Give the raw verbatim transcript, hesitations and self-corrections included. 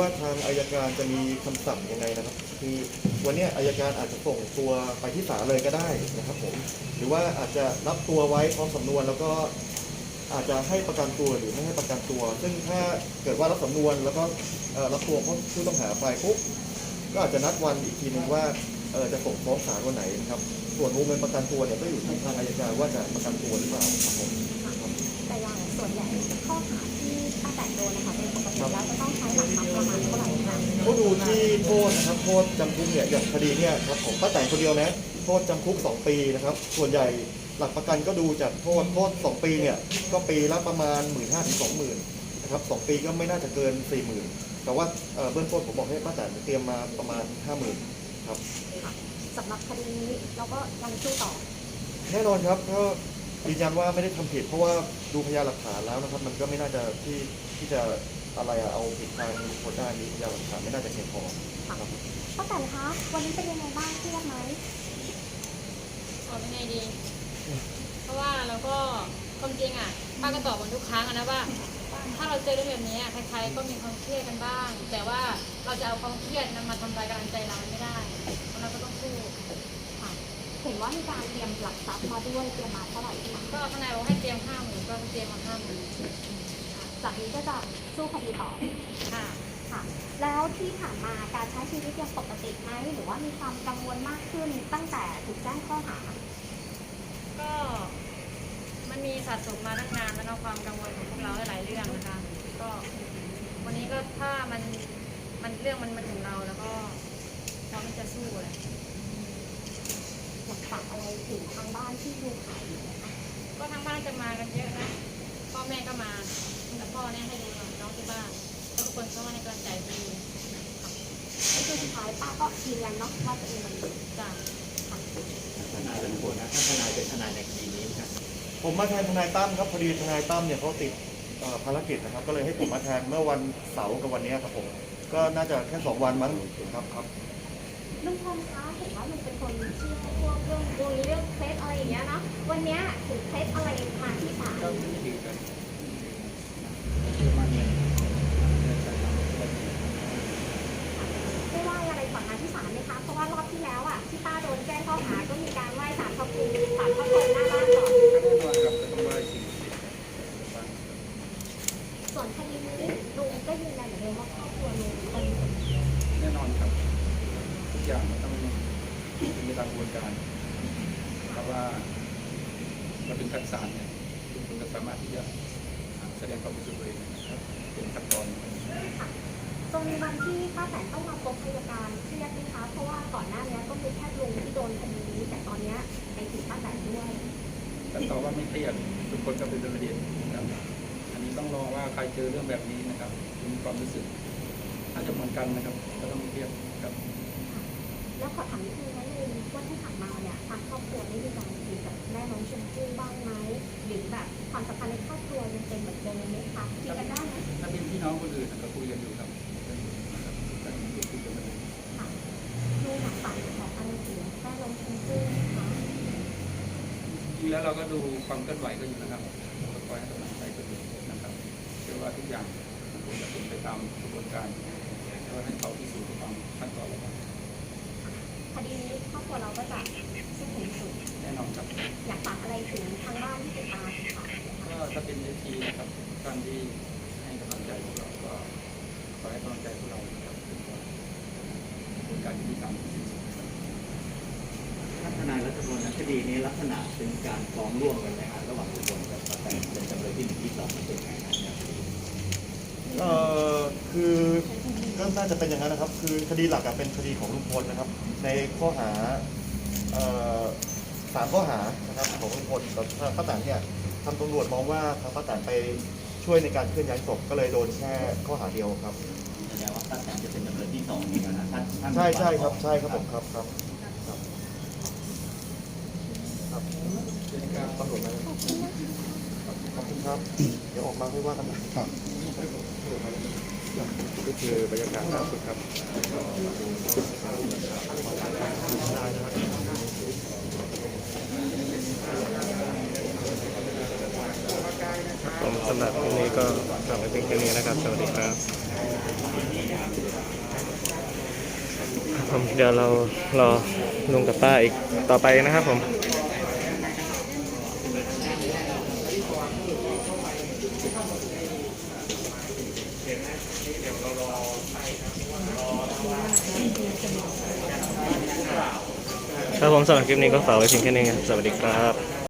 ว่าทางอัยการจะมีคำสั่งยังไงนะครับคือวันนี้อัยการอาจจะส่งตัวไปที่ศาลเลยก็ได้นะครับผมหรือว่าอาจจะรับตัวไว้พร้อมสำนวนแล้วก็อาจจะให้ประกันตัวหรือไม่ให้ประกันตัว ซึ่งถ้าเกิดว่ารับสำนวนแล้วก็รับตัวผู้ต้องหาไปปุ๊บก็อาจจะนัดวันอีกทีหนึ่งว่าจะส่งฟ้องศาลวันไหนนะครับส่วนวงเงินประกันตัวเนี่ยก็อยู่ที่ทางอัยการว่าจะประกันตัวหรือเปล่าครับผมแต่อย่างส่วนใหญ่ข้อหาที่ป้าแตนโดนนะคะเป็นปกติแล้วจะต้องใช้หลักทรัพย์ประมาณเท่าไหร่คะก็ดูที่โทษนะครับโทษจำคุกเนี่ยอย่างคดีเนี่ยครับของป้าแตนคนเดียวนะโทษจำคุกสองปีนะครับส่วนใหญ่หลักประกันก็ดูจากโทษโทษสองปีเนี่ยก็ปีละประมาณหมื่นห้าถึงสองหมื่นนะครับสองปีก็ไม่น่าจะเกินสี่หมื่นแต่ว่าเบื้องต้นผมบอกให้ป้าแตนเตรียมมาประมาณห้าหมื่นครับสำหรับคดีนี้เราก็ยังสู้ต่อแน่นอนครับก็ยืนยันว่าไม่ได้ทำผิดเพราะว่าดูพยานหลักฐานแล้วนะครับมันก็ไม่น่าจะที่ที่จะอะไรอะเอาผิดทางคนได้นี้พยานหลักฐานไม่น่าจะเพียงพอครับป้าแตนคะวันนี้เป็นยังไงบ้างเครียดไหมตอบยังไงดีเพราะว่าเราก็ความจริงอ่ะป้าก็ตอบเหมือนทุกครั้งนะว่าถ้าเราเจอเรื่องแบบนี้ใครๆก็มีความเครียดกันบ้างแต่ว่าเราจะเอาความเครียดนั้นมาทำลายกำลังใจเราไม่ได้เราก็ต้องสู้เห็นว่ามีการเตรียมหลักทรัพย์มาด้วยเตรียมมาเท่าไหร่คะก็ทนายบอกให้เตรียมห้าหมื่นก็เตรียมมาห้าหมื่นจากนี้ก็จะสู้คดีต่อค่ะค่ะแล้วที่ผ่านมาการใช้ชีวิตยังปกติไหมหรือว่ามีความกังวลมากขึ้นตั้งแต่ถูกแจ้งข้อหาก็มันมีสะสมมาตั้งนานแล้วก็ความกังวลของพวกเราหลายเรื่องนะคะก็วันนี้ก็ถ้ามันมันเรื่องมันมาถึงเราแล้วก็พร้อมที่จะสู้เลยอยากฝากอะไรถึงทางบ้านที่ดูข่าวอยู่นะคะก็ทางบ้านจะมากันเยอะนะพ่อแม่ก็มาแต่พ่อเนี่ยให้ดูน้องที่บ้านทุกคนก็มาให้กำลังใจดีก็คือสุดท้ายป้าก็ยืนยันเนาะว่าตัวเองมันจ้ะทนายเป็นคนนะถ้าทนายเป็นทนายในคดีนี้ครับผมมาแทนทนายตั้มครับพอดีทนายตั้มเนี่ยเขาติดภารกิจนะครับก็เลยให้ผมมาแทนเมื่อวันเสาร์กับวันนี้ครับผมก็น่าจะแค่สองวันมั้งครับครับลุงพลคะเห็นว่าลุงเป็นคนเชื่อพวกเรื่องดวงเรื่องเคล็ดอะไรอย่างเงี้ยเนาะวันนี้ถึงเคล็ดอะไรมาที่ศาลได้ไหว้อะไรก่อนมาที่ศาลไหมคะเพราะว่ารอบที่แล้วอ่ะที่ป้าโดนแจ้งข้อหาก็มีการไหว้ศาลพระภูมิศาลพระพรหมหน้าบ้านก่อนส่วนคดีนี้ลุงก็ยืนยันเหมือนเดิมว่าครอบครัวลุงเป็นแน่นอนครับทุกอย่างมันต้องเป็นไปตามกระบวนการเพราะว่าเราเป็นขั้นศาลเนี่ยทุกคนก็สามารถที่จะแสดงความรู้สึกเลยเป็นขั้นตอนตรงวันที่ป้าแตนต้องมาพบอัยการเครียดไหมคะเพราะว่าก่อนหน้านี้ก็คือแค่ลุงที่โดนคดีนี้แต่ตอนนี้ไปถึงป้าแตนด้วยแต่ตอบว่าไม่เครียดทุกคนก็เป็นประเด็นนะครับอันนี้ต้องรอว่าใครเจอเรื่องแบบนี้นะครับมีความรู้สึกน่าจะเหมือนกันนะครับก็ต้องเครียดครับแล้วขอถามนิดนึงนะลุงว่าที่ผ่านมาเนี่ยทางครอบครัวได้มีการคุยกับแม่น้องชมพู่บ้างไหมหรือแบบความสัมพันธ์ในครอบครัวยังเป็นเหมือนเดิมไหมคะคุยกันได้ไหมถ้าเป็นพี่น้องคนอื่นก็คุยกันอยู่ครับก็คุยกันมาค่ะลุงอยากฝากบอกอะไรถึงแม่น้องชมพู่คะจริงแล้วเราก็ดูความเคลื่อนไหวก็อยู่นะครับก็คอยให้กำลังใจกันอยู่นะครับเชื่อว่าทุกอย่างคงจะเป็นไปตามกระบวนการแล้วให้เขาพิสูจน์ความขั้นตอนแล้วกันคดีนี้ครอบครัวเราก็จะสู้ถึงสุดแน่นอนครับอยากฝากอะไรถึงทางบ้านที่ติดตามค่ะก็ถ้าเป็นเอทีนะครับการที่ให้กำลังใจพวกเราก็ขอให้กำลังใจพวกเรานะครับเป็นการที่ทำถ้าทนายรัชพลคดีนี้ลักษณะเป็นการฟ้องร่วมกันไหมครับระหว่างทุกคนกับป้าแตนเป็นจำเลยที่หนึ่งที่สองเป็นไงนะครับเอ่อคือก็น่าจะเป็นอย่างนั้นนะครับคือคดีหลักเป็นคดีของลุงพลนะครับในข้อหาสามข้อหานะครับของลุงพลแต่ป้าแตนเนี่ยทางตำรวจมองว่าทางป้าแตนไปช่วยในการเคลื่อนย้ายศพก็เลยโดนแค่ข้อหาเดียวครับแสดงว่าป้าแตนจะเป็นจำเลยที่สองนี่นะท่านใช่ใช่ครับใช่ครับผมครับครับครับครับตำรวจมาขอบคุณครับเดี๋ยวออกมาไม่ว่ากันนะครับก็คือบรรยากาศล่าสุดครับผมสำหรับวันนี้ก็ฝากไว้เพียงแค่นี้นะครับสวัสดีครับผมเดี๋ยวเรารอลุงกับป้าอีกต่อไปนะครับผมครับผมสำหรับคลิปนี้ก็ฝากไว้เพียงแค่นี้ครับสวัสดีครับ